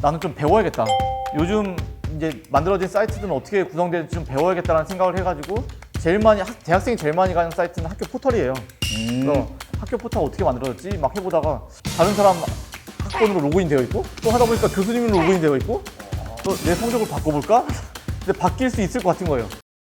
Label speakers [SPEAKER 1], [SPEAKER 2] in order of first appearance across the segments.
[SPEAKER 1] 나는 좀 배워야겠다. 요즘 이제 만들어진 사이트들은 어떻게 구성되는지 좀 배워야겠다는 생각을 해가지고 제일 많이 대학생이 제일 많이 가는 사이트는 학교 포털이에요. 그래서 학교 포털 어떻게 만들어졌지 막 해보다가 다른 사람 학번으로 로그인 되어 있고 또 하다 보니까 교수님으로 로그인 되어 있고 또 내 성적을 바꿔볼까? 근데 바뀔 수 있을 것 같은 거예요.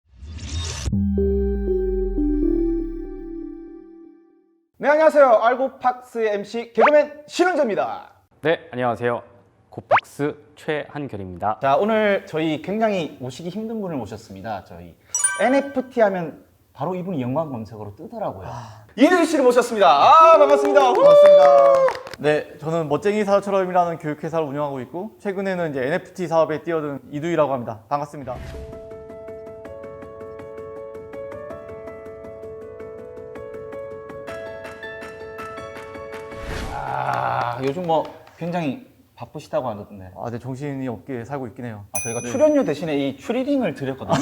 [SPEAKER 2] 네, 안녕하세요. 알고팍스의 MC 개그맨 신은재입니다.
[SPEAKER 3] 네, 안녕하세요. 고팍스 최한결입니다.
[SPEAKER 2] 자, 오늘 저희 굉장히 모시기 힘든 분을 모셨습니다. 저희 NFT 하면 바로 이분이 연관 검색어로 뜨더라고요. 이두희 씨를 모셨습니다. 아, 반갑습니다.
[SPEAKER 1] 반갑습니다. 네, 저는 멋쟁이 사업처럼이라는 교육회사를 운영하고 있고 최근에는 이제 NFT 사업에 뛰어든 이두희라고 합니다. 반갑습니다.
[SPEAKER 2] 아, 요즘 뭐 굉장히 바쁘시다고 하던데.
[SPEAKER 1] 아, 네, 정신이 없게 살고 있긴 해요.
[SPEAKER 2] 아, 저희가 출연료 대신에 이 추리딩을 드렸거든요.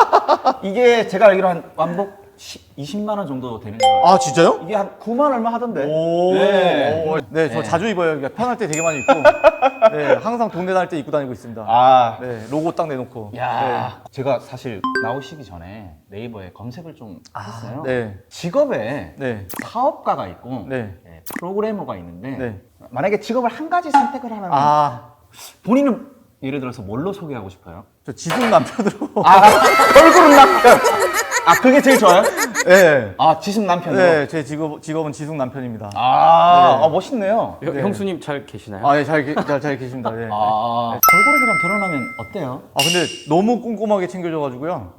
[SPEAKER 2] 이게 제가 알기로 한 완복 20만 원 정도 되는 거예요.
[SPEAKER 1] 아, 진짜요?
[SPEAKER 2] 이게 한 9만 얼마 하던데.
[SPEAKER 1] 오,
[SPEAKER 2] 네.
[SPEAKER 1] 네, 저
[SPEAKER 2] 네.
[SPEAKER 1] 자주 입어요. 그러니까 편할 때 되게 많이 입고, 네, 항상 동네 다닐 때 입고 다니고 있습니다.
[SPEAKER 2] 아,
[SPEAKER 1] 네, 로고 딱 내놓고.
[SPEAKER 2] 야, 제가 사실 나오시기 전에 네이버에 검색을 좀 했어요.
[SPEAKER 1] 네,
[SPEAKER 2] 직업에
[SPEAKER 1] 네,
[SPEAKER 2] 사업가가 있고
[SPEAKER 1] 네,
[SPEAKER 2] 네, 프로그래머가 있는데
[SPEAKER 1] 네.
[SPEAKER 2] 만약에 직업을 한 가지 선택을 하라면
[SPEAKER 1] 아,
[SPEAKER 2] 본인은 예를 들어서 뭘로 소개하고 싶어요?
[SPEAKER 1] 저 지숙 남편으로.
[SPEAKER 2] 아, 얼굴은 남편. 아, 그게 제일 좋아요?
[SPEAKER 1] 네,
[SPEAKER 2] 아, 지숙 남편으로.
[SPEAKER 1] 네, 제 직업은 지숙 남편입니다.
[SPEAKER 2] 아,
[SPEAKER 1] 네.
[SPEAKER 2] 아, 멋있네요.
[SPEAKER 1] 네.
[SPEAKER 3] 형수님 잘 계시나요?
[SPEAKER 1] 아, 네, 잘 계십니다. 네.
[SPEAKER 2] 아, 걸그룹이랑 결혼하면 어때요?
[SPEAKER 1] 아, 근데 너무 꼼꼼하게 챙겨줘가지고요.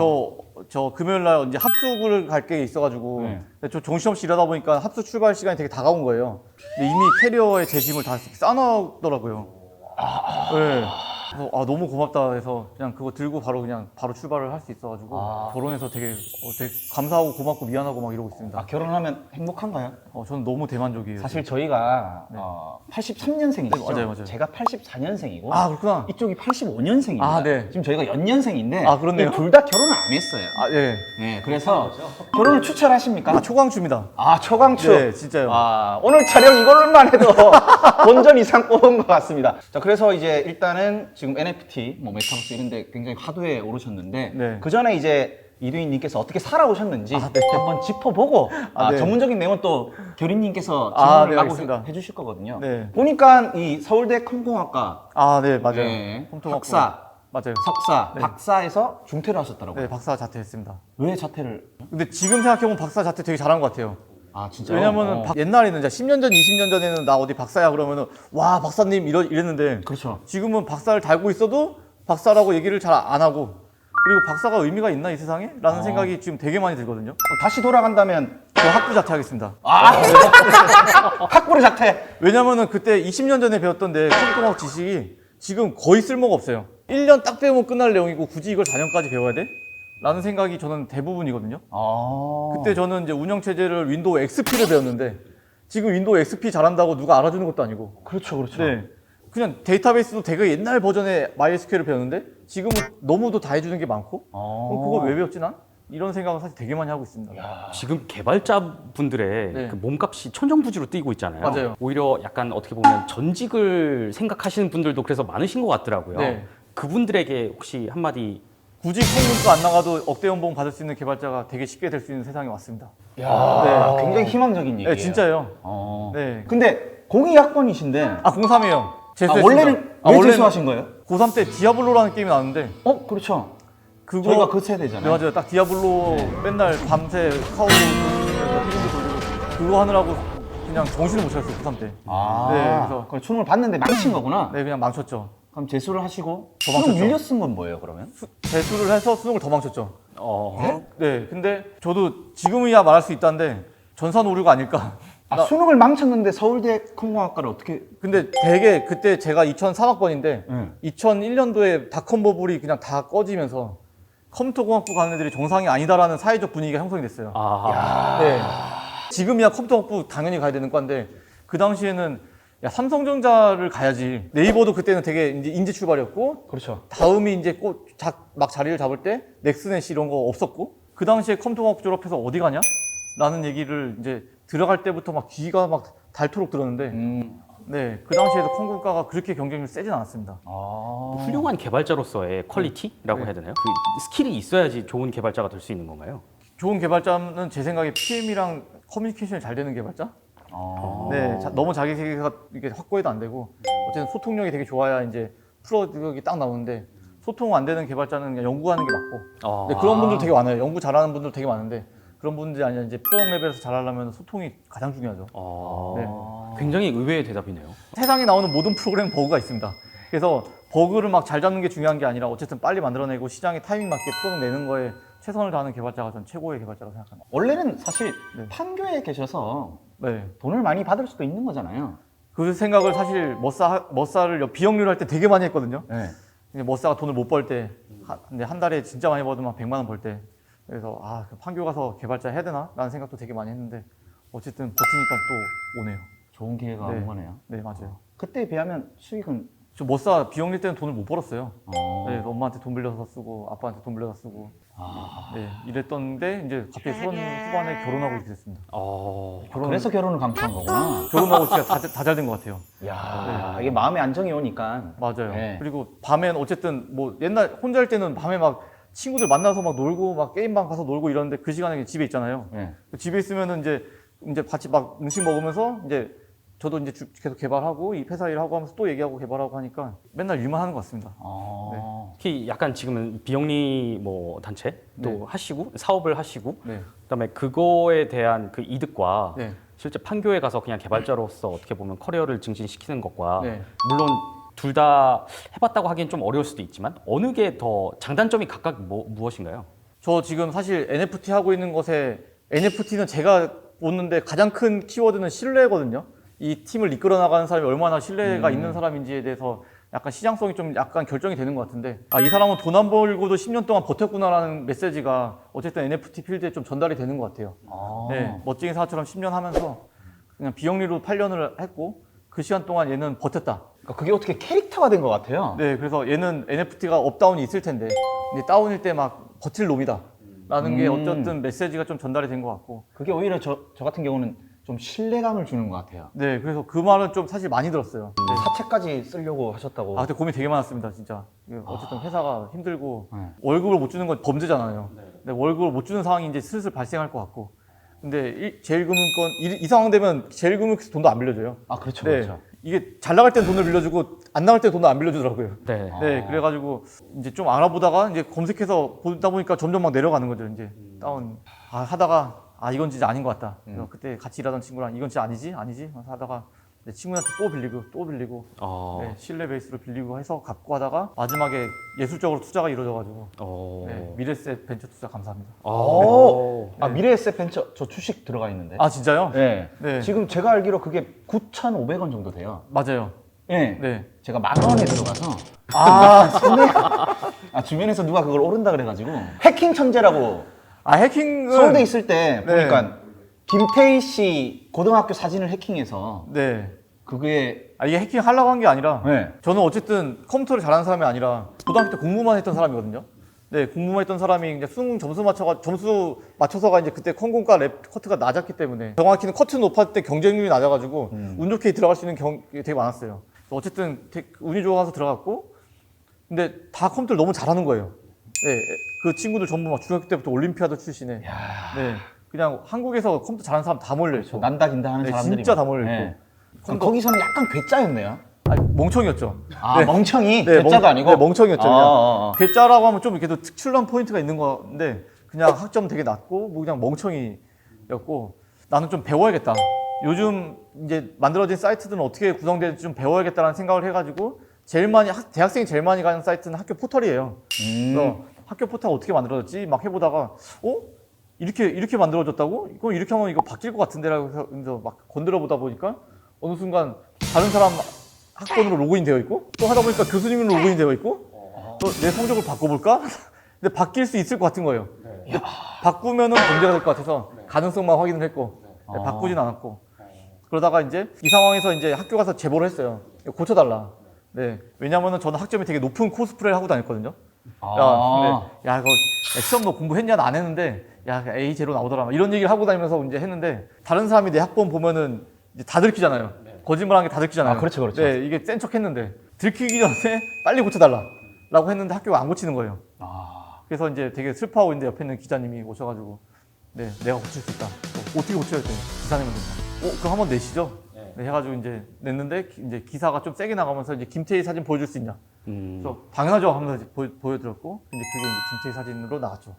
[SPEAKER 1] 저 금요일 날 이제 합숙을 갈 게 있어가지고
[SPEAKER 2] 네.
[SPEAKER 1] 근데 저 정신없이 일하다 보니까 합숙 출발 시간이 되게 다가온 거예요. 근데 이미 캐리어에 제 짐을 다 싸놓더라고요. 네. 그래서 아, 너무 고맙다 해서 그냥 그거 들고 바로 출발을 할 수 있어가지고 결혼해서 되게 감사하고 고맙고 미안하고 막 이러고 있습니다.
[SPEAKER 2] 아, 결혼하면 행복한가요?
[SPEAKER 1] 저는 너무 대만족이에요.
[SPEAKER 2] 사실 저희가 83년생이시죠?
[SPEAKER 1] 네, 맞아요.
[SPEAKER 2] 제가 84년생이고
[SPEAKER 1] 아, 그렇구나.
[SPEAKER 2] 이쪽이 85년생입니다.
[SPEAKER 1] 아, 네.
[SPEAKER 2] 지금 저희가 연년생인데
[SPEAKER 1] 아, 그렇네요.
[SPEAKER 2] 둘 다 결혼을 안 했어요.
[SPEAKER 1] 아, 예.
[SPEAKER 2] 네, 그래서 결혼을 추천하십니까?
[SPEAKER 1] 아, 초광주입니다.
[SPEAKER 2] 아, 초강추.
[SPEAKER 1] 네, 진짜요.
[SPEAKER 2] 아, 오늘 촬영 이걸로만 해도 본전 이상 뽑은 것 같습니다. 자, 그래서 이제 일단은 지금 NFT, 뭐 메타버스 이런 데 굉장히 화두에 오르셨는데
[SPEAKER 1] 네.
[SPEAKER 2] 그 전에 이제 이두희님께서 어떻게 살아오셨는지
[SPEAKER 1] 아, 네.
[SPEAKER 2] 한번 짚어보고
[SPEAKER 1] 네.
[SPEAKER 2] 전문적인 내용은 또 교리님께서
[SPEAKER 1] 아,
[SPEAKER 2] 질문을
[SPEAKER 1] 네,
[SPEAKER 2] 마구
[SPEAKER 1] 알겠습니다.
[SPEAKER 2] 해주실 거거든요.
[SPEAKER 1] 네.
[SPEAKER 2] 보니까 이 서울대 컴공학과
[SPEAKER 1] 아, 네, 맞아요.
[SPEAKER 2] 네,
[SPEAKER 1] 컴퓨터학부.
[SPEAKER 2] 박사,
[SPEAKER 1] 맞아요.
[SPEAKER 2] 석사,
[SPEAKER 1] 네.
[SPEAKER 2] 박사에서 중퇴를 하셨더라고요.
[SPEAKER 1] 네, 박사 자퇴했습니다.
[SPEAKER 2] 왜 자퇴를?
[SPEAKER 1] 근데 지금 생각해보면 박사 자퇴 되게 잘한 것 같아요.
[SPEAKER 2] 아, 진짜요?
[SPEAKER 1] 왜냐면은 옛날에는 이제 10년 전, 20년 전에는 나 어디 박사야 그러면은 와, 박사님 이랬는데
[SPEAKER 2] 그렇죠.
[SPEAKER 1] 지금은 박사를 달고 있어도 박사라고 얘기를 잘 안 하고 그리고 박사가 의미가 있나 이 세상에? 라는 생각이 지금 되게 많이 들거든요.
[SPEAKER 2] 다시 돌아간다면
[SPEAKER 1] 저 학부 자퇴하겠습니다.
[SPEAKER 2] 학부를 자퇴.
[SPEAKER 1] 왜냐면은 그때 20년 전에 배웠던데 컴퓨터공학 지식이 지금 거의 쓸모가 없어요. 1년 딱 배우면 끝날 내용이고 굳이 이걸 4년까지 배워야 돼? 라는 생각이 저는 대부분이거든요. 그때 저는 이제 운영체제를 윈도우 XP를 배웠는데 지금 윈도우 XP 잘한다고 누가 알아주는 것도 아니고
[SPEAKER 2] 그렇죠, 그렇죠.
[SPEAKER 1] 네. 그냥 데이터베이스도 되게 옛날 버전의 MySQL을 배웠는데 지금은 너무도 다 해주는 게 많고 그럼 그걸 왜 배웠지 난? 이런 생각을 사실 되게 많이 하고 있습니다.
[SPEAKER 3] 지금 개발자분들의
[SPEAKER 1] 네.
[SPEAKER 3] 그 몸값이 천정부지로 뛰고 있잖아요.
[SPEAKER 1] 맞아요.
[SPEAKER 3] 오히려 약간 어떻게 보면 전직을 생각하시는 분들도 그래서 많으신 것 같더라고요.
[SPEAKER 1] 네.
[SPEAKER 3] 그분들에게 혹시 한마디.
[SPEAKER 1] 굳이 콩문도 안 나가도 억대 연봉 받을 수 있는 개발자가 되게 쉽게 될 수 있는 세상이 왔습니다.
[SPEAKER 2] 야, 굉장히 희망적인 얘기예요.
[SPEAKER 1] 네, 진짜예요.
[SPEAKER 2] 네.
[SPEAKER 1] 네.
[SPEAKER 2] 근데 공이학번이신데
[SPEAKER 1] 아, 03이에요.
[SPEAKER 2] 원래는 왜 재수하신 거예요?
[SPEAKER 1] 고3 때 디아블로라는 게임이 나왔는데
[SPEAKER 2] 그렇죠.
[SPEAKER 1] 그거
[SPEAKER 2] 저희가 그 세대잖아요.
[SPEAKER 1] 네, 맞아요. 딱 디아블로 맨날 밤새 카우보 피딩도 돌리고 그거 하느라고 그냥 정신을 못 차렸어요. 고3 때. 네, 그래서
[SPEAKER 2] 그럼 수능을 봤는데 망친 거구나.
[SPEAKER 1] 네, 그냥 망쳤죠.
[SPEAKER 2] 그럼 재수를 하시고
[SPEAKER 1] 도망쳤죠.
[SPEAKER 2] 수능 밀려 쓴 건 뭐예요, 그러면?
[SPEAKER 1] 재수를 해서 수능을 더 망쳤죠. 네, 근데 저도 지금이야 말할 수 있다는데 전산 오류가 아닐까.
[SPEAKER 2] 수능을 망쳤는데 서울대 컴공학과를 어떻게?
[SPEAKER 1] 근데 되게 그때 제가 2003학번인데
[SPEAKER 2] 네.
[SPEAKER 1] 2001년도에 닷컴 버블이 그냥 다 꺼지면서 컴퓨터공학부 가는 애들이 정상이 아니다라는 사회적 분위기가 형성이 됐어요. 네. 지금이야 컴퓨터공학부 당연히 가야 되는 과인데 그 당시에는 야, 삼성전자를 가야지. 네이버도 그때는 되게 이제 인재 출발이었고
[SPEAKER 2] 그렇죠.
[SPEAKER 1] 다음이 이제 막 자리를 잡을 때 넥스넷 이런 거 없었고 그 당시에 컴퓨터공학 졸업해서 어디 가냐? 라는 얘기를 이제 들어갈 때부터 막 귀가 막 닳도록 들었는데 네, 그 당시에도 컴공과가 그렇게 경쟁률 세진 않았습니다.
[SPEAKER 3] 훌륭한 개발자로서의 퀄리티라고
[SPEAKER 1] 네.
[SPEAKER 3] 해야 되나요? 그 스킬이 있어야지 좋은 개발자가 될 수 있는 건가요?
[SPEAKER 1] 좋은 개발자는 제 생각에 PM이랑 커뮤니케이션이 잘 되는 개발자? 네, 너무 자기 세계가 이게 확고해도 안 되고 어쨌든 소통력이 되게 좋아야 이제 프로덕이 딱 나오는데 소통 안 되는 개발자는 그냥 연구하는 게 맞고 네, 그런 분들 되게 많아요. 연구 잘하는 분들 되게 많은데 그런 분들이 아니라 이제 프로덕 레벨에서 잘하려면 소통이 가장 중요하죠. 네.
[SPEAKER 3] 굉장히 의외의 대답이네요.
[SPEAKER 1] 세상에 나오는 모든 프로그램 버그가 있습니다. 그래서 버그를 막 잘 잡는 게 중요한 게 아니라 어쨌든 빨리 만들어내고 시장에 타이밍 맞게 프로덕 내는 거에 최선을 다하는 개발자가 전 최고의 개발자라고 생각합니다.
[SPEAKER 2] 원래는 사실
[SPEAKER 1] 네.
[SPEAKER 2] 판교에 계셔서
[SPEAKER 1] 네.
[SPEAKER 2] 돈을 많이 받을 수도 있는 거잖아요.
[SPEAKER 1] 그 생각을 사실 머싸를 비영리로 할 때 되게 많이 했거든요.
[SPEAKER 2] 네.
[SPEAKER 1] 근데 머싸가 돈을 못 벌 때, 근데 한 달에 진짜 많이 벌면 100만 원 벌 때, 그래서 판교 가서 개발자 해야 되나? 라는 생각도 되게 많이 했는데 어쨌든 버티니까 또 오네요.
[SPEAKER 2] 좋은 기회가
[SPEAKER 1] 네.
[SPEAKER 2] 온 거네요.
[SPEAKER 1] 네, 맞아요.
[SPEAKER 2] 그때에 비하면 수익은
[SPEAKER 1] 저 머싸 비영리 때는 돈을 못 벌었어요. 네, 엄마한테 돈 빌려서 쓰고 아빠한테 돈 빌려서 쓰고 네, 이랬던데 이제 갑자기 수원 후반에 결혼하고 이렇게 됐습니다.
[SPEAKER 2] 그래서 결혼을 강추한 거구나.
[SPEAKER 1] 결혼하고 진짜 다 잘 된 것 같아요.
[SPEAKER 2] 야, 이게 마음의 안정이 오니까.
[SPEAKER 1] 맞아요.
[SPEAKER 2] 네.
[SPEAKER 1] 그리고 밤엔 어쨌든 뭐 옛날 혼자 할 때는 밤에 막 친구들 만나서 막 놀고 막 게임방 가서 놀고 이러는데 그 시간에 집에 있잖아요.
[SPEAKER 2] 네.
[SPEAKER 1] 집에 있으면은 이제 같이 막 음식 먹으면서 이제 저도 이제 계속 개발하고 이 회사 일하고 하면서 또 얘기하고 개발하고 하니까 맨날 일만 하는 것 같습니다.
[SPEAKER 3] 특히 약간 지금은 비영리 뭐 단체 또
[SPEAKER 1] 네.
[SPEAKER 3] 하시고 사업을 하시고
[SPEAKER 1] 네.
[SPEAKER 3] 그다음에 그거에 대한 그 이득과
[SPEAKER 1] 네.
[SPEAKER 3] 실제 판교에 가서 그냥 개발자로서 어떻게 보면 커리어를 증진시키는 것과
[SPEAKER 1] 네.
[SPEAKER 3] 물론 둘 다 해봤다고 하기엔 좀 어려울 수도 있지만 어느 게 더 장단점이 각각 무엇인가요?
[SPEAKER 1] 저 지금 사실 NFT 하고 있는 것에 NFT는 제가 보는데 가장 큰 키워드는 신뢰거든요. 이 팀을 이끌어 나가는 사람이 얼마나 신뢰가 있는 사람인지에 대해서 약간 시장성이 좀 약간 결정이 되는 것 같은데 이 사람은 돈 안 벌고도 10년 동안 버텼구나라는 메시지가 어쨌든 NFT 필드에 좀 전달이 되는 것 같아요. 네, 멋쟁이 사처럼 10년 하면서 그냥 비영리로 8년을 했고 그 시간 동안 얘는 버텼다.
[SPEAKER 2] 그러니까 그게 어떻게 캐릭터가 된 것 같아요.
[SPEAKER 1] 네, 그래서 얘는 NFT가 업다운이 있을 텐데 이제 다운일 때 막 버틸 놈이다. 라는 게 어쨌든 메시지가 좀 전달이 된 것 같고
[SPEAKER 2] 그게 오히려 저 같은 경우는 좀 신뢰감을 주는 것 같아요.
[SPEAKER 1] 네, 그래서 그 말은 좀 사실 많이 들었어요. 네.
[SPEAKER 2] 사채까지 쓰려고 하셨다고.
[SPEAKER 1] 그때 고민 되게 많았습니다, 진짜. 이게 어쨌든 회사가 힘들고
[SPEAKER 2] 네.
[SPEAKER 1] 월급을 못 주는 건 범죄잖아요. 근데 월급을 못 주는 상황이 이제 슬슬 발생할 것 같고. 근데 제일금융권 이 상황 되면 제일금융에서 돈도 안 빌려줘요.
[SPEAKER 2] 그렇죠,
[SPEAKER 1] 네,
[SPEAKER 2] 그렇죠.
[SPEAKER 1] 이게 잘 나갈 땐 돈을 빌려주고 안 나갈 땐 돈을 안 빌려주더라고요.
[SPEAKER 3] 네.
[SPEAKER 1] 네, 그래가지고 이제 좀 알아보다가 이제 검색해서 보다 보니까 점점 막 내려가는 거죠. 이제 다운 하다가 이건 진짜 아닌 것 같다. 그래서 그때 같이 일하던 친구랑 이건 진짜 아니지 하면서 하다가 내 친구한테 또 빌리고 네, 신뢰 베이스로 빌리고 해서 갚고 하다가 마지막에 예술적으로 투자가 이루어져가지고 네, 미래셋 벤처 투자 감사합니다.
[SPEAKER 2] 미래에셋 벤처 저 주식 들어가 있는데.
[SPEAKER 1] 진짜요?
[SPEAKER 2] 네.
[SPEAKER 1] 네.
[SPEAKER 2] 지금 제가 알기로 그게 9,500원 정도 돼요.
[SPEAKER 1] 맞아요.
[SPEAKER 2] 네.
[SPEAKER 1] 네.
[SPEAKER 2] 제가 10,000원에 들어가서 주변에서 누가 그걸 오른다 그래가지고 해킹 천재라고
[SPEAKER 1] 해킹은
[SPEAKER 2] 서울대 있을 때
[SPEAKER 1] 네.
[SPEAKER 2] 보니까 김태희 씨 고등학교 사진을 해킹해서
[SPEAKER 1] 네.
[SPEAKER 2] 그게
[SPEAKER 1] 이게 해킹 하려고 한 게 아니라
[SPEAKER 2] 네.
[SPEAKER 1] 저는 어쨌든 컴퓨터를 잘하는 사람이 아니라 고등학교 때 공부만 했던 사람이거든요. 네, 공부만 했던 사람이 이제 수능 점수 맞춰서가 이제 그때 컴공과 랩 커트가 낮았기 때문에 정확히는 커트 높았을 때 경쟁률이 낮아가지고 운 좋게 들어갈 수 있는 게 되게 많았어요. 어쨌든 운이 좋아서 들어갔고 근데 다 컴퓨터를 너무 잘하는 거예요. 네, 그 친구들 전부 막 중학교 때부터 올림피아드 출신에 네, 그냥 한국에서 컴퓨터 잘하는 사람 다 몰려 있고
[SPEAKER 2] 난다 긴다 하는
[SPEAKER 1] 네,
[SPEAKER 2] 사람들이
[SPEAKER 1] 진짜
[SPEAKER 2] 막.
[SPEAKER 1] 다 몰려 있고
[SPEAKER 2] 그럼 거기서는 약간 괴짜였네요.
[SPEAKER 1] 멍청이였죠.
[SPEAKER 2] 아, 멍청이?
[SPEAKER 1] 네,
[SPEAKER 2] 괴짜도 아니고?
[SPEAKER 1] 네, 멍청이였죠.
[SPEAKER 2] 아.
[SPEAKER 1] 괴짜라고 하면 좀 이렇게 더 특출난 포인트가 있는 건데 그냥 학점 되게 낮고 뭐 그냥 멍청이였고 나는 좀 배워야겠다. 요즘 이제 만들어진 사이트들은 어떻게 구성되는지 좀 배워야겠다라는 생각을 해가지고 대학생이 제일 많이 가는 사이트는 학교 포털이에요. 그래서 학교 포털 어떻게 만들어졌지 막 해보다가 이렇게 만들어졌다고? 그럼 이렇게 하면 이거 바뀔 것 같은데라고 해서 막 건드려 보다 보니까 어느 순간 다른 사람 학번으로 로그인 되어 있고 또 하다 보니까 교수님으로 로그인 되어 있고 또 내 성적을 바꿔볼까? 근데 바뀔 수 있을 것 같은 거예요. 바꾸면은 문제가 될 것 같아서 가능성만 확인을 했고 바꾸진 않았고 그러다가 이제 이 상황에서 이제 학교 가서 제보를 했어요. 이거 고쳐달라. 네, 왜냐면은 저는 학점이 되게 높은 코스프레를 하고 다녔거든요. 근데 이거 시험 너 공부했냐? 안 했는데 A 제로 나오더라. 이런 얘기를 하고 다니면서 이제 했는데 다른 사람이 내 학번 보면은 이제 다 들키잖아요. 거짓말한 게 다 들키잖아요.
[SPEAKER 2] 아, 그렇죠, 그렇죠.
[SPEAKER 1] 네, 이게 센 척했는데 들키기 전에 빨리 고쳐달라라고 했는데 학교가 안 고치는 거예요.
[SPEAKER 2] 아,
[SPEAKER 1] 그래서 이제 되게 슬퍼하고 있는데 옆에 있는 기자님이 오셔가지고 네, 내가 고칠 수 있다. 어떻게 고쳐야 돼? 기사님은 된다. 그럼 한번 내시죠. 네, 해가지고 이제 냈는데 이제 기사가 좀 세게 나가면서 이제 김태희 사진 보여줄 수 있냐? 그래서 당연하죠 하면서 보여드렸고 이제 그게 이제 김태희 사진으로 나왔죠.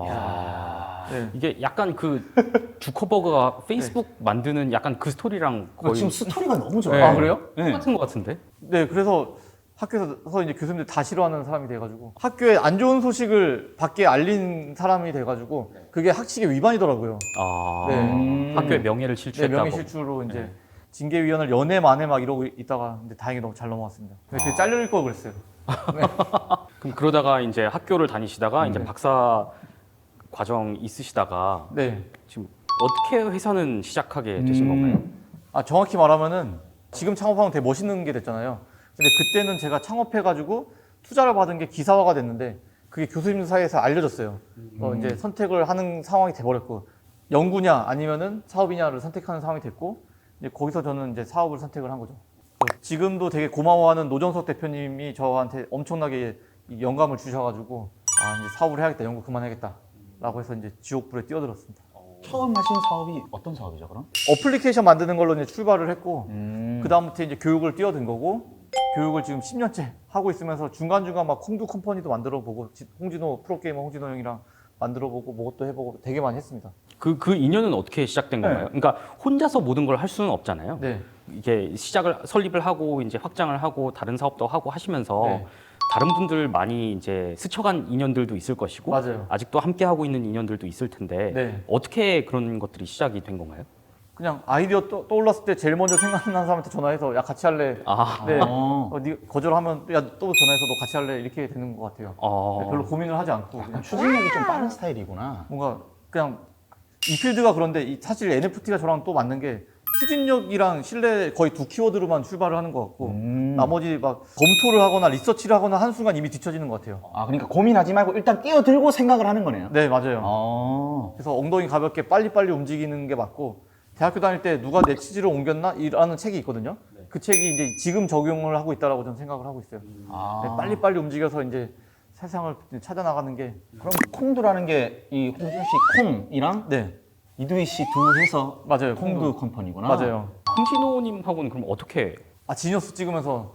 [SPEAKER 1] 네.
[SPEAKER 3] 이게 약간 그 주커버그가 페이스북 만드는 약간 그 스토리랑 거의
[SPEAKER 2] 지금 스토리가 너무 좋아요.
[SPEAKER 3] 네.
[SPEAKER 1] 아, 그래요?
[SPEAKER 2] 네.
[SPEAKER 3] 똑같은 것 같은데?
[SPEAKER 1] 네, 그래서 학교에서 이제 교수님들 다 싫어하는 사람이 돼가지고 학교에 안 좋은 소식을 밖에 알린 사람이 돼가지고 그게 학칙의 위반이더라고요. 네.
[SPEAKER 3] 학교의 명예를
[SPEAKER 1] 네,
[SPEAKER 3] 실추했다고.
[SPEAKER 1] 명예실추로 이제 징계위원을 연애 만에 막 이러고 있다가 근데 다행히 너무 잘 넘어갔습니다. 근데 그게 잘릴 걸 그랬어요.
[SPEAKER 3] 그럼 그러다가 이제 학교를 다니시다가 이제 박사 과정 있으시다가
[SPEAKER 1] 네.
[SPEAKER 3] 지금 어떻게 회사는 시작하게 되신 건가요?
[SPEAKER 1] 아, 정확히 말하면은 지금 창업하면 되게 멋있는 게 됐잖아요. 근데 그때는 제가 창업해가지고 투자를 받은 게 기사화가 됐는데 그게 교수님들 사이에서 알려졌어요. 이제 선택을 하는 상황이 돼버렸고 연구냐 아니면은 사업이냐를 선택하는 상황이 됐고 이제 거기서 저는 이제 사업을 선택을 한 거죠. 지금도 되게 고마워하는 노정석 대표님이 저한테 엄청나게 이 영감을 주셔가지고 아 이제 사업을 해야겠다, 연구 그만해야겠다라고 해서 이제 지옥불에 뛰어들었습니다.
[SPEAKER 2] 처음 하신 사업이 어떤 사업이죠, 그럼?
[SPEAKER 1] 어플리케이션 만드는 걸로 이제 출발을 했고 그 다음부터 이제 교육을 뛰어든 거고 교육을 지금 10년째 하고 있으면서 중간중간 막 콩두 컴퍼니도 만들어 보고 홍진호 프로게이머 홍진호 형이랑 만들어 보고 뭐것도 해보고 되게 많이 했습니다.
[SPEAKER 3] 그 인연은 어떻게 시작된 건가요? 그러니까 혼자서 모든 걸 할 수는 없잖아요.
[SPEAKER 1] 네.
[SPEAKER 3] 이게 설립을 하고 이제 확장을 하고 다른 사업도 하고 하시면서
[SPEAKER 1] 네.
[SPEAKER 3] 다른 분들 많이 이제 스쳐간 인연들도 있을 것이고
[SPEAKER 1] 맞아요.
[SPEAKER 3] 아직도 함께 하고 있는 인연들도 있을 텐데
[SPEAKER 1] 네.
[SPEAKER 3] 어떻게 그런 것들이 시작이 된 건가요?
[SPEAKER 1] 그냥 아이디어 떠올랐을 때 제일 먼저 생각나는 사람한테 전화해서 야 같이 할래. 네. 네 거절하면 야 또 전화해서 너 같이 할래 이렇게 되는 것 같아요. 네, 별로 고민을 하지 않고 그냥
[SPEAKER 2] 추진력이 좀 빠른 스타일이구나.
[SPEAKER 1] 뭔가 그냥 이 필드가 그런데 사실 NFT가 저랑 또 맞는 게 추진력이랑 신뢰 거의 두 키워드로만 출발을 하는 것 같고 나머지 막 검토를 하거나 리서치를 하거나 한 순간 이미 뒤처지는 것 같아요.
[SPEAKER 2] 아, 그러니까 고민하지 말고 일단 뛰어들고 생각을 하는 거네요.
[SPEAKER 1] 네, 맞아요.
[SPEAKER 2] 아,
[SPEAKER 1] 그래서 엉덩이 가볍게 빨리빨리 움직이는 게 맞고 대학교 다닐 때 누가 내 취지로 옮겼나? 이라는 책이 있거든요. 그 책이 이제 지금 적용을 하고 있다라고 저는 생각을 하고 있어요. 네, 빨리빨리 움직여서 이제 세상을 찾아나가는 게
[SPEAKER 2] 그럼 콩두라는 게 이 홍준 씨 콩이랑
[SPEAKER 1] 네,
[SPEAKER 2] 이두희 씨 둘 해서
[SPEAKER 1] 맞아요.
[SPEAKER 2] 콩두 컴퍼니구나.
[SPEAKER 1] 맞아요.
[SPEAKER 3] 홍진호님하고는 그럼 어떻게?
[SPEAKER 1] 지니어스 찍으면서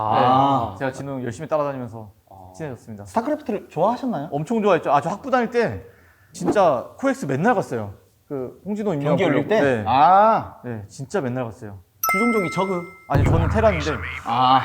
[SPEAKER 2] 아.
[SPEAKER 1] 네, 제가 진우 형 열심히 따라다니면서 친해졌습니다.
[SPEAKER 2] 스타크래프트를 좋아하셨나요?
[SPEAKER 1] 엄청 좋아했죠. 저 학부 다닐 때 진짜 코엑스 맨날 갔어요. 그 홍진호 임명
[SPEAKER 2] 경기 열릴 때?
[SPEAKER 1] 네.
[SPEAKER 2] 아,
[SPEAKER 1] 네, 진짜 맨날 갔어요.
[SPEAKER 2] 구종종이 저그.
[SPEAKER 1] 아니 저는 테란인데.
[SPEAKER 2] 아.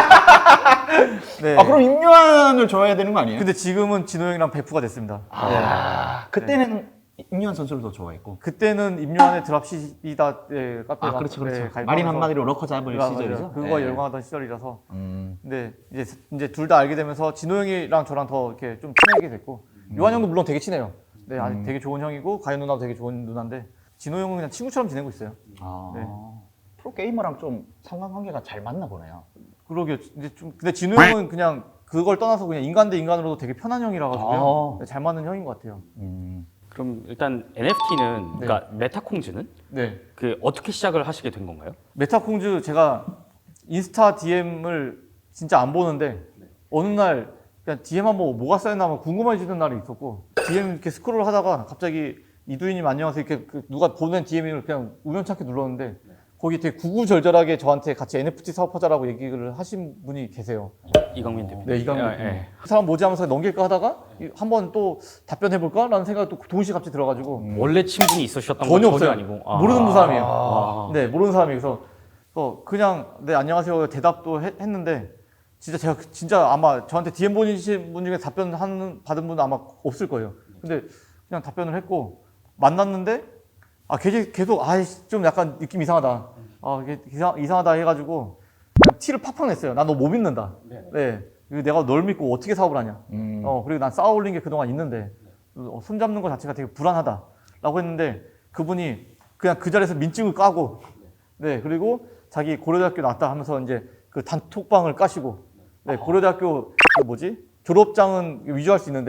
[SPEAKER 1] 네.
[SPEAKER 2] 아, 그럼 임요한을 좋아해야 되는 거 아니에요?
[SPEAKER 1] 근데 지금은 진호 형이랑 베프가 됐습니다.
[SPEAKER 2] 아, 그때는 임요한 선수를 더 좋아했고.
[SPEAKER 1] 그때는 임요한의 드랍시이다 카페
[SPEAKER 2] 아, 그렇죠, 그렇죠. 마린 한마디로 러커 잡을 시절이죠.
[SPEAKER 1] 그거
[SPEAKER 2] 네.
[SPEAKER 1] 열광하던 시절이라서. 근데 이제 둘 다 알게 되면서 진호 형이랑 저랑 더 이렇게 좀 친해지게 됐고 요한 형도 물론 되게 친해요. 네, 아니 되게 좋은 형이고 가연 누나도 되게 좋은 누나인데 진호 형은 그냥 친구처럼 지내고 있어요.
[SPEAKER 2] 아,
[SPEAKER 1] 네.
[SPEAKER 2] 프로게이머랑 좀 상관관계가 잘 맞나 보네요.
[SPEAKER 1] 그러게요. 이제 좀 근데 진호 형은 그냥 그걸 떠나서 그냥 인간 대 인간으로도 되게 편한 형이라 가지고요. 네, 잘 맞는 형인 것 같아요.
[SPEAKER 3] 그럼 일단 NFT는 그러니까 메타콩즈는
[SPEAKER 1] 네.
[SPEAKER 3] 그 어떻게 시작을 하시게 된 건가요?
[SPEAKER 1] 메타콩즈 제가 인스타 DM을 진짜 안 보는데 어느 날 그냥 DM 한번 뭐가 쌓였나 하면 궁금해지는 날이 있었고 DM 이렇게 스크롤 하다가 갑자기 이두희님 안녕하세요 이렇게 누가 보낸 DM을 그냥 우연찮게 눌렀는데 거기 되게 구구절절하게 저한테 같이 NFT 사업하자라고 얘기를 하신 분이 계세요.
[SPEAKER 3] 이강민 대표.
[SPEAKER 1] 네, 이강민
[SPEAKER 3] 예,
[SPEAKER 1] 대표.
[SPEAKER 3] 예.
[SPEAKER 1] 그 사람 뭐지 하면서 넘길까 하다가 한번 또 답변해볼까라는 생각이 또 동시에 갑자기 들어가지고
[SPEAKER 3] 원래 친분이 있으셨던 건
[SPEAKER 1] 전혀
[SPEAKER 3] 전혀
[SPEAKER 1] 없어요.
[SPEAKER 3] 아니고
[SPEAKER 1] 모르는 사람이에요.
[SPEAKER 3] 아.
[SPEAKER 1] 네, 모르는 사람이어서 그냥 네 안녕하세요 대답도 했는데 진짜 제가 진짜 아마 저한테 DM 보내신 분 중에 받은 분은 아마 없을 거예요. 근데 그냥 답변을 했고 만났는데 계속 좀 약간 느낌 이상하다. 이게 이상하다 해가지고 그냥 티를 팍팍 냈어요. 난 너 못 믿는다. 네. 그리고 내가 널 믿고 어떻게 사업을 하냐. 그리고 난 쌓아 올린 게 그동안 있는데 손잡는 것 자체가 되게 불안하다라고 했는데 그분이 그냥 그 자리에서 민증을 까고 네 그리고 자기 고려대학교 나왔다 하면서 이제 그 단톡방을 까시고 네 고려대학교 그 뭐지 졸업장은 위조할 수 있는데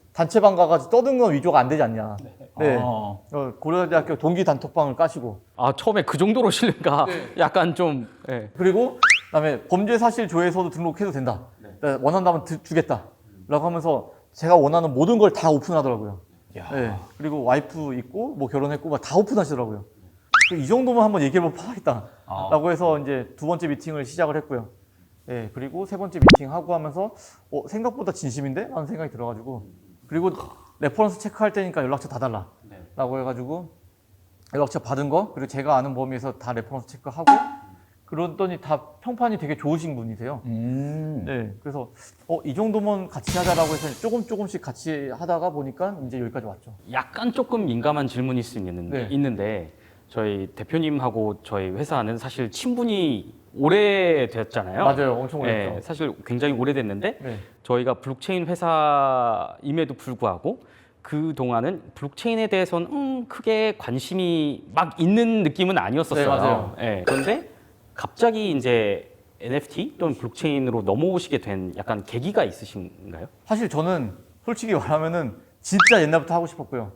[SPEAKER 1] 단체방 가가지고 떠드는 건 위조가 안 되지 않냐. 네.
[SPEAKER 2] 어.
[SPEAKER 1] 고려대학교 동기 단톡방을 까시고
[SPEAKER 3] 아 처음에 그 정도로 신뢰가 약간 좀 예.
[SPEAKER 1] 그리고 그다음에 범죄 사실 조회서도 등록해도 된다. 원한다면 주겠다라고 하면서 제가 원하는 모든 걸 다 오픈하더라고요.
[SPEAKER 2] 야.
[SPEAKER 1] 네. 그리고 와이프 있고 뭐 결혼했고 막 다 오픈하시더라고요. 이 정도만 한번 얘기해보면 파하겠다라고 해서 이제 두 번째 미팅을 시작을 했고요. 네. 그리고 세 번째 미팅 하고 하면서 생각보다 진심인데? 라는 생각이 들어가지고 그리고 레퍼런스 체크할 때니까 연락처 다 달라라고 해가지고 연락처 받은 거 그리고 제가 아는 범위에서 다 레퍼런스 체크하고 그러더니 다 평판이 되게 좋으신 분이세요. 네, 그래서 이 정도면 같이 하자라고 해서 조금씩 같이 하다가 보니까 이제 여기까지 왔죠.
[SPEAKER 3] 약간 조금 민감한 질문일 수
[SPEAKER 1] 네.
[SPEAKER 3] 있는데 저희 대표님하고 저희 회사는 사실 친분이 오래됐잖아요.
[SPEAKER 1] 맞아요, 엄청 오래됐죠.
[SPEAKER 3] 네, 사실 굉장히 오래됐는데
[SPEAKER 1] 네.
[SPEAKER 3] 저희가 블록체인 회사임에도 불구하고 그 동안은 블록체인에 대해서는 크게 관심이 막 있는 느낌은 아니었었어요.
[SPEAKER 1] 네, 맞아요.
[SPEAKER 3] 네, 그런데 갑자기 이제 NFT 또는 블록체인으로 넘어오시게 된 약간 계기가 있으신가요?
[SPEAKER 1] 사실 저는 솔직히 말하면은 진짜 옛날부터 하고 싶었고요.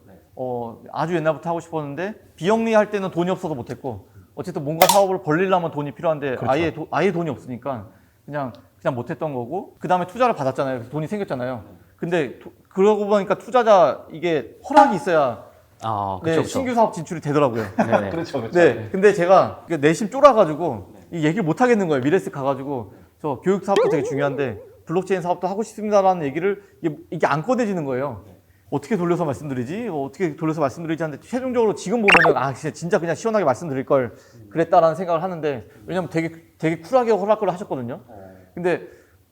[SPEAKER 1] 아주 옛날부터 하고 싶었는데 비영리할 때는 돈이 없어서 못했고 어쨌든 뭔가 사업을 벌리려면 돈이 필요한데
[SPEAKER 2] 그렇죠.
[SPEAKER 1] 아예 돈이 없으니까 그냥 못했던 거고 그 다음에 투자를 받았잖아요. 그래서 돈이 생겼잖아요. 근데 그러고 보니까 투자자 이게 허락이 있어야
[SPEAKER 3] 아,
[SPEAKER 1] 네,
[SPEAKER 3] 그렇죠.
[SPEAKER 1] 신규 사업 진출이 되더라고요.
[SPEAKER 3] 네네.
[SPEAKER 2] 그렇죠, 그렇죠.
[SPEAKER 1] 네, 근데 제가 내심 쫄아가지고 이 얘기를 못 하겠는 거예요. 미래스 가가지고 저 교육 사업도 되게 중요한데 블록체인 사업도 하고 싶습니다라는 얘기를 이게 안 꺼내지는 거예요. 어떻게 돌려서 말씀드리지? 어떻게 돌려서 말씀드리지 하는데 최종적으로 지금 보면은 진짜 그냥 시원하게 말씀드릴 걸 그랬다라는 생각을 하는데 왜냐면 되게 쿨하게 허락을 하셨거든요. 근데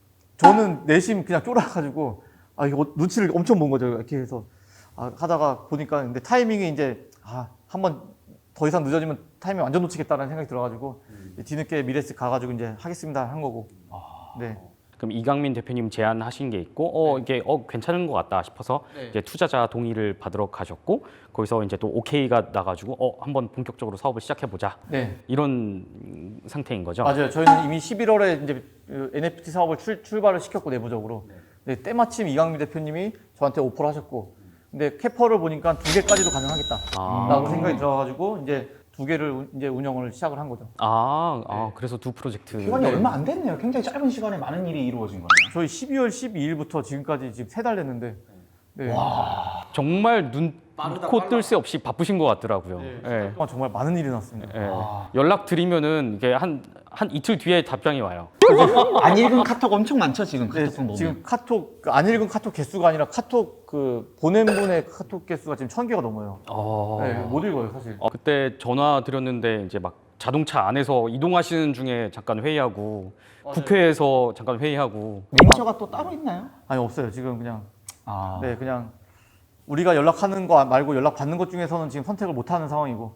[SPEAKER 1] 저는 내심 그냥 쫄아가지고 이거 눈치를 엄청 본 거죠. 이렇게 해서 하다가 보니까 근데 타이밍이 이제 한번 더 이상 늦어지면 타이밍 완전 놓치겠다라는 생각이 들어가지고 뒤늦게 미래스 가가지고 이제 하겠습니다 한 거고. 네.
[SPEAKER 3] 그럼 이강민 대표님 제안하신 게 있고 이게 괜찮은 것 같다 싶어서
[SPEAKER 1] 네.
[SPEAKER 3] 이제 투자자 동의를 받으러 가셨고 거기서 이제 또 오케이가 나가지고 한번 본격적으로 사업을 시작해 보자
[SPEAKER 1] 네.
[SPEAKER 3] 이런 상태인 거죠.
[SPEAKER 1] 맞아요. 저희는 이미 11월에 이제 NFT 사업을 출발을 시켰고 내부적으로. 네, 때마침 이강민 대표님이 저한테 오퍼를 하셨고, 근데 캐퍼를 보니까 2개까지도 가능하겠다라고 생각이 들어가지고 이제 2개를 이제 운영을 시작을 한 거죠.
[SPEAKER 3] 그래서 두 프로젝트.
[SPEAKER 2] 기간이 얼마 안 됐네요. 굉장히 짧은 시간에 많은 일이 이루어진 거네요.
[SPEAKER 1] 저희 12월 12일부터 지금까지 지금 3달 됐는데, 네.
[SPEAKER 3] 정말 눈코 뜰 새 없이 바쁘신 것 같더라고요. 예.
[SPEAKER 1] 정말 많은 일이 났습니다.
[SPEAKER 3] 예. 연락 드리면은 이게 한 이틀 뒤에 답장이 와요.
[SPEAKER 2] 안 읽은 카톡 엄청 많죠, 지금
[SPEAKER 1] 네,
[SPEAKER 2] 카톡 보면.
[SPEAKER 1] 지금 카톡 안 읽은 카톡 개수가 아니라 카톡 보낸 분의 카톡 개수가 지금 1000개가 넘어요. 네, 못 읽어요 사실.
[SPEAKER 3] 그때 전화 드렸는데 이제 막 자동차 안에서 이동하시는 중에 잠깐 회의하고 국회에서 잠깐 회의하고
[SPEAKER 2] 매니저가 또 따로 있나요?
[SPEAKER 1] 아니 없어요. 지금 그냥
[SPEAKER 2] 아.
[SPEAKER 1] 네 그냥 우리가 연락하는 거 말고 연락 받는 것 중에서는 지금 선택을 못 하는 상황이고.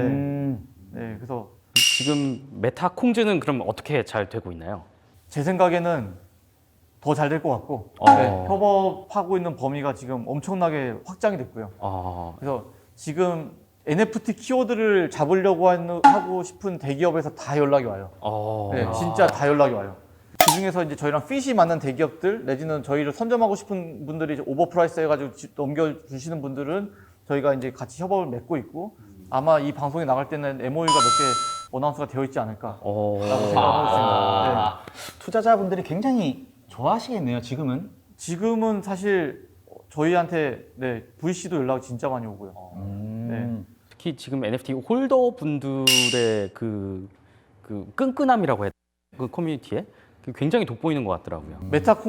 [SPEAKER 1] 네, 그래서
[SPEAKER 3] 지금 메타 콩즈는 그럼 어떻게 잘 되고 있나요?
[SPEAKER 1] 제 생각에는 더 잘 될 것 같고 네, 협업하고 있는 범위가 지금 엄청나게 확장이 됐고요. 그래서 지금 NFT 키워드를 잡으려고 하고 싶은 대기업에서 다 연락이 와요. 네, 진짜 다 연락이 와요. 그 중에서 이제 저희랑 핏이 맞는 대기업들 내지는 저희를 선점하고 싶은 분들이 이제 오버프라이스 해가지고 넘겨주시는 분들은 저희가 이제 같이 협업을 맺고 있고 아마 이 방송에 나갈 때는 MOU가 몇 개 어나운스가 되어 있지 않을까라고 생각하고 있습니다. 네.
[SPEAKER 2] 투자자분들이 굉장히 좋아하시겠네요, 지금은.
[SPEAKER 1] 지금은 사실 저희한테 VC도 연락이 진짜 많이 오고요. 네.
[SPEAKER 3] 특히 지금 NFT 홀더 분들의 그 끈끈함이라고 해야 되나? 그 커뮤니티에 굉장히 돋보이는 것 같더라고요.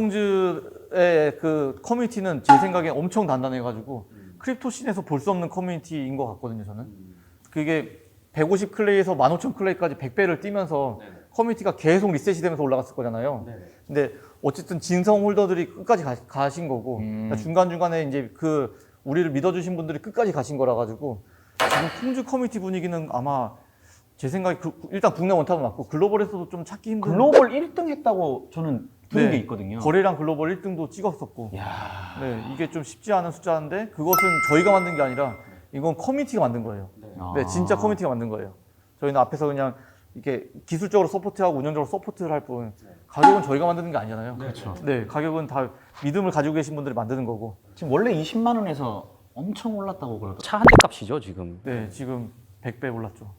[SPEAKER 1] 메타콩즈의 그 커뮤니티는 제 생각에 엄청 단단해가지고 크립토 씬에서 볼 수 없는 커뮤니티인 것 같거든요, 저는. 그게 150 클레이에서 15,000 클레이까지 100배를 뛰면서 커뮤니티가 계속 리셋이 되면서 올라갔을 거잖아요. 근데 어쨌든 진성 홀더들이 끝까지 가신 거고 그러니까 중간중간에 이제 우리를 믿어주신 분들이 끝까지 가신 거라 가지고 지금 콩즈 커뮤니티 분위기는 아마 제 생각에 일단 국내 원탑은 맞고 글로벌에서도 좀 찾기 힘든
[SPEAKER 2] 글로벌 1등 했다고 저는 들은
[SPEAKER 1] 네,
[SPEAKER 2] 게 있거든요.
[SPEAKER 1] 거래량 글로벌 1등도 찍었었고
[SPEAKER 2] 야.
[SPEAKER 1] 네, 이게 좀 쉽지 않은 숫자인데 그것은 저희가 만든 게 아니라 이건 커뮤니티가 만든 거예요. 네, 진짜 커뮤니티가 만든 거예요. 저희는 앞에서 그냥 이게 기술적으로 서포트하고 운영적으로 서포트를 할 뿐 가격은 저희가 만드는 게 아니잖아요.
[SPEAKER 2] 그렇죠.
[SPEAKER 1] 네, 가격은 다 믿음을 가지고 계신 분들이 만드는 거고.
[SPEAKER 2] 지금 원래 20만 원에서 엄청 올랐다고 그러더라고요.
[SPEAKER 3] 차 한 대 값이죠 지금.
[SPEAKER 1] 네, 지금 100배 올랐죠.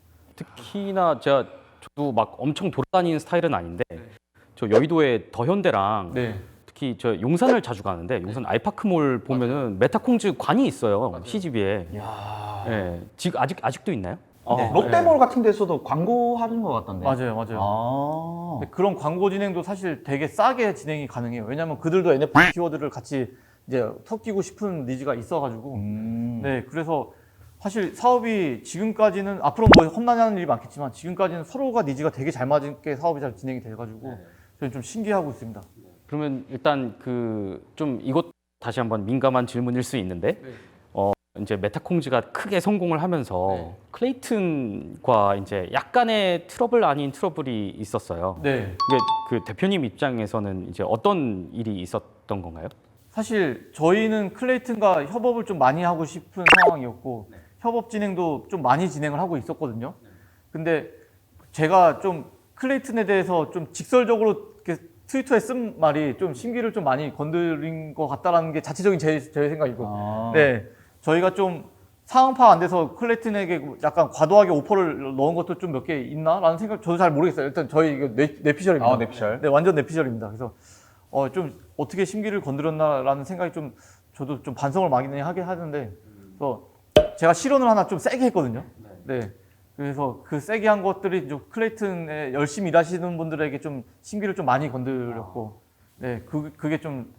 [SPEAKER 3] 특히나 저도 막 엄청 돌아다니는 스타일은 아닌데 저 여의도에 더현대랑
[SPEAKER 1] 네.
[SPEAKER 3] 특히 저 용산을 자주 가는데 용산 아이파크몰 보면은 메타콩즈 관이 있어요. CGV에.
[SPEAKER 2] 이야.
[SPEAKER 3] 예. 지금 아직도 있나요?
[SPEAKER 1] 네.
[SPEAKER 2] 롯데몰 같은 데서도 광고하는 것 같던데.
[SPEAKER 1] 맞아요, 맞아요.
[SPEAKER 2] 아.
[SPEAKER 1] 근데 그런 광고 진행도 사실 되게 싸게 진행이 가능해요. 왜냐하면 그들도 NFT 키워드를 같이 이제 섞이고 싶은 니즈가 있어가지고. 네, 그래서 사실 사업이 지금까지는 앞으로 뭐 험난한 일이 많겠지만 지금까지는 서로가 니즈가 되게 잘 맞게 사업이 잘 진행이 돼가지고 저는 좀 신기해하고 있습니다.
[SPEAKER 3] 그러면 일단 그 좀 이것 다시 한번 민감한 질문일 수 있는데 이제 메타콩즈가 크게 성공을 하면서 클레이튼과 이제 약간의 트러블 아닌 트러블이 있었어요.
[SPEAKER 1] 네,
[SPEAKER 3] 이게 그 대표님 입장에서는 이제 어떤 일이 있었던 건가요?
[SPEAKER 1] 사실 저희는 클레이튼과 협업을 좀 많이 하고 싶은 상황이었고 협업 진행도 좀 많이 진행을 하고 있었거든요. 근데 제가 좀 클레이튼에 대해서 좀 직설적으로 이렇게 트위터에 쓴 말이 좀 심기를 좀 많이 건드린 것 같다라는 게 자체적인 제 생각이고, 네, 저희가 좀 상황 파악 안 돼서 클레이튼에게 약간 과도하게 오퍼를 넣은 것도 좀 몇 개 있나라는 생각 저도 잘 모르겠어요. 일단 저희 이거 뇌피셜입니다.
[SPEAKER 2] 뇌피셜.
[SPEAKER 1] 네, 완전 뇌피셜입니다. 그래서 좀 어떻게 심기를 건드렸나라는 생각이 좀 저도 좀 반성을 많이 하게 하는데, 그래서 제가 실언을 하나 좀 세게 했거든요. 네. 그래서 그 세게 한 것들이 좀 클레이튼에 열심히 일하시는 분들에게 좀 심기를 좀 많이 건드렸고, 네, 그게 좀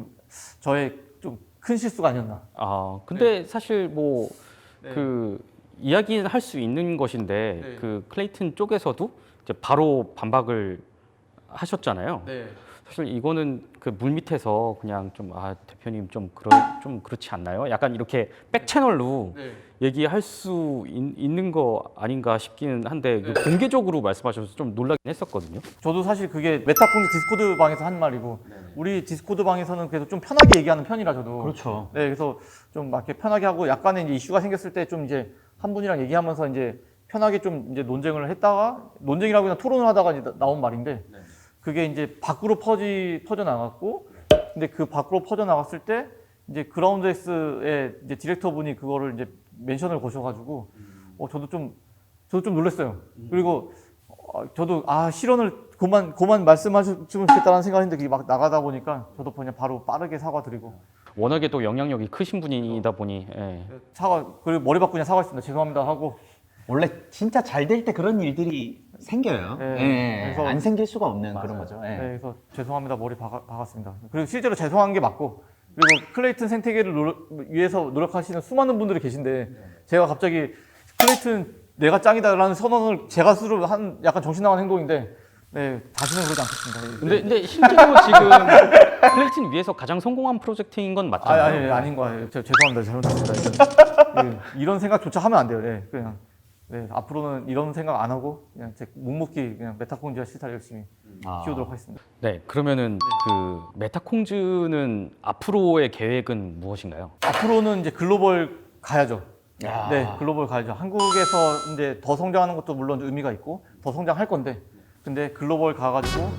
[SPEAKER 1] 저의 좀 큰 실수가 아니었나.
[SPEAKER 3] 근데 사실 뭐
[SPEAKER 1] 네.
[SPEAKER 3] 그 이야기는 할 수 있는 것인데
[SPEAKER 1] 네.
[SPEAKER 3] 그 클레이튼 쪽에서도 이제 바로 반박을 하셨잖아요.
[SPEAKER 1] 네.
[SPEAKER 3] 사실 이거는 그 물밑에서 그냥 좀 대표님 좀 그렇지 않나요? 약간 이렇게 백 채널로
[SPEAKER 1] 네.
[SPEAKER 3] 얘기할 수 있는 거 아닌가 싶기는 한데 그 공개적으로 말씀하셔서 좀 놀라긴 했었거든요.
[SPEAKER 1] 저도 사실 그게 메타콩즈 디스코드 방에서 한 말이고, 우리 디스코드 방에서는 그래도 좀 편하게 얘기하는 편이라 저도.
[SPEAKER 2] 그렇죠.
[SPEAKER 1] 네, 그래서 좀 막 이렇게 편하게 하고 약간의 이제 이슈가 생겼을 때 좀 이제 한 분이랑 얘기하면서 이제 편하게 좀 이제 논쟁을 했다가, 논쟁이라고 그냥 토론을 하다가 이제 나온 말인데, 그게 이제 밖으로 퍼져 나갔고, 근데 그 밖으로 퍼져 나갔을 때 이제 그라운드엑스의 이제 디렉터 분이 그거를 이제 멘션을 거셔가지고, 저도 좀 놀랐어요. 그리고 저도 실언을 그만 말씀하셨으면 좋겠다는 생각했는데 그게 막 나가다 보니까 저도 그냥 바로 빠르게 사과드리고,
[SPEAKER 3] 워낙에 또 영향력이 크신 분이다 보니
[SPEAKER 1] 그리고 머리 바꾸냐 사과했습니다. 죄송합니다 하고.
[SPEAKER 2] 원래 진짜 잘 될 때 그런 일들이 생겨요.
[SPEAKER 1] 네.
[SPEAKER 2] 예,
[SPEAKER 1] 그래서-
[SPEAKER 2] 안 생길 수가 없는 그런 거죠. 예.
[SPEAKER 1] 네, 그래서 죄송합니다 머리 박았습니다. 그리고 실제로 죄송한 게 맞고, 그리고 클레이튼 생태계를 위해서 노력하시는 수많은 분들이 계신데 제가 갑자기 클레이튼 내가 짱이다라는 선언을 제가 스스로 한 약간 정신 나간 행동인데, 네, 다시는 그러지 않겠습니다.
[SPEAKER 3] 근데 실제로 지금 클레이튼 위에서 가장 성공한 프로젝트인 건 맞잖아요.
[SPEAKER 1] 아닌 거예요. 죄송합니다. 잘못했습니다. 이런 생각조차 하면 안 돼요. 네, 그냥 앞으로는 이런 생각 안 하고 그냥 제 묵묵히 그냥 메타콩즈와 시타를 열심히 키우도록 하겠습니다.
[SPEAKER 3] 네, 그러면은 그 메타콩즈는 앞으로의 계획은 무엇인가요?
[SPEAKER 1] 앞으로는 이제 글로벌 가야죠.
[SPEAKER 2] 야.
[SPEAKER 1] 네, 글로벌 가야죠. 한국에서 이제 더 성장하는 것도 물론 의미가 있고 더 성장할 건데, 근데 글로벌 가가지고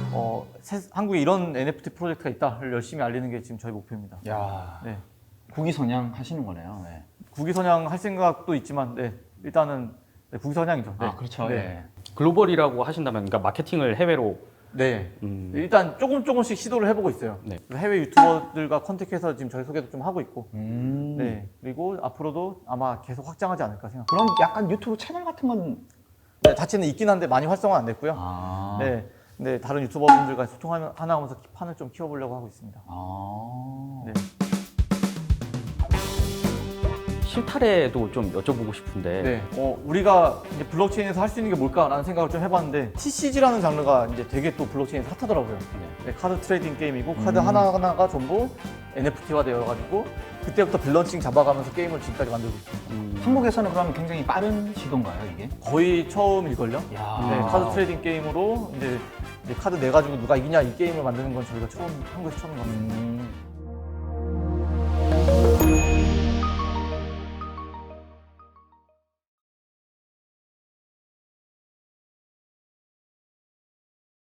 [SPEAKER 1] 한국에 이런 NFT 프로젝트가 있다를 열심히 알리는 게 지금 저희 목표입니다.
[SPEAKER 2] 야.
[SPEAKER 1] 네,
[SPEAKER 2] 국위선양 하시는 거네요. 네.
[SPEAKER 1] 국위선양 할 생각도 있지만, 네, 일단은 국위선양이죠. 네.
[SPEAKER 2] 그렇죠.
[SPEAKER 1] 네.
[SPEAKER 2] 예.
[SPEAKER 3] 글로벌이라고 하신다면 그러니까 마케팅을 해외로
[SPEAKER 1] 네. 일단 조금씩 시도를 해보고 있어요.
[SPEAKER 3] 네.
[SPEAKER 1] 해외 유튜버들과 컨택해서 지금 저희 소개도 좀 하고 있고,
[SPEAKER 2] 음.
[SPEAKER 1] 네. 그리고 앞으로도 아마 계속 확장하지 않을까 생각.
[SPEAKER 2] 그럼 약간 유튜브 채널 같은 건
[SPEAKER 1] 네, 자체는 있긴 한데 많이 활성화 안 됐고요. 네. 근데 다른 유튜버분들과 소통하면서 판을 좀 키워보려고 하고 있습니다. 네.
[SPEAKER 3] 실타래도 좀 여쭤보고 싶은데
[SPEAKER 1] 네. 우리가 이제 블록체인에서 할 수 있는 게 뭘까라는 생각을 좀 해봤는데, TCG라는 장르가 이제 되게 또 블록체인에서 핫하더라고요. 네, 카드 트레이딩 게임이고 카드 하나하나가 전부 NFT화 되어가지고 그때부터 밸런싱 잡아가면서 게임을 지금까지 만들고 있습니다.
[SPEAKER 2] 한국에서는 그러면 굉장히 빠른 시도인가요, 이게?
[SPEAKER 1] 거의 처음일걸요?
[SPEAKER 2] 야.
[SPEAKER 1] 네, 카드 트레이딩 게임으로 이제 카드 내가지고 누가 이기냐 이 게임을 만드는 건 저희가 한국에서 처음인 것 같습니다.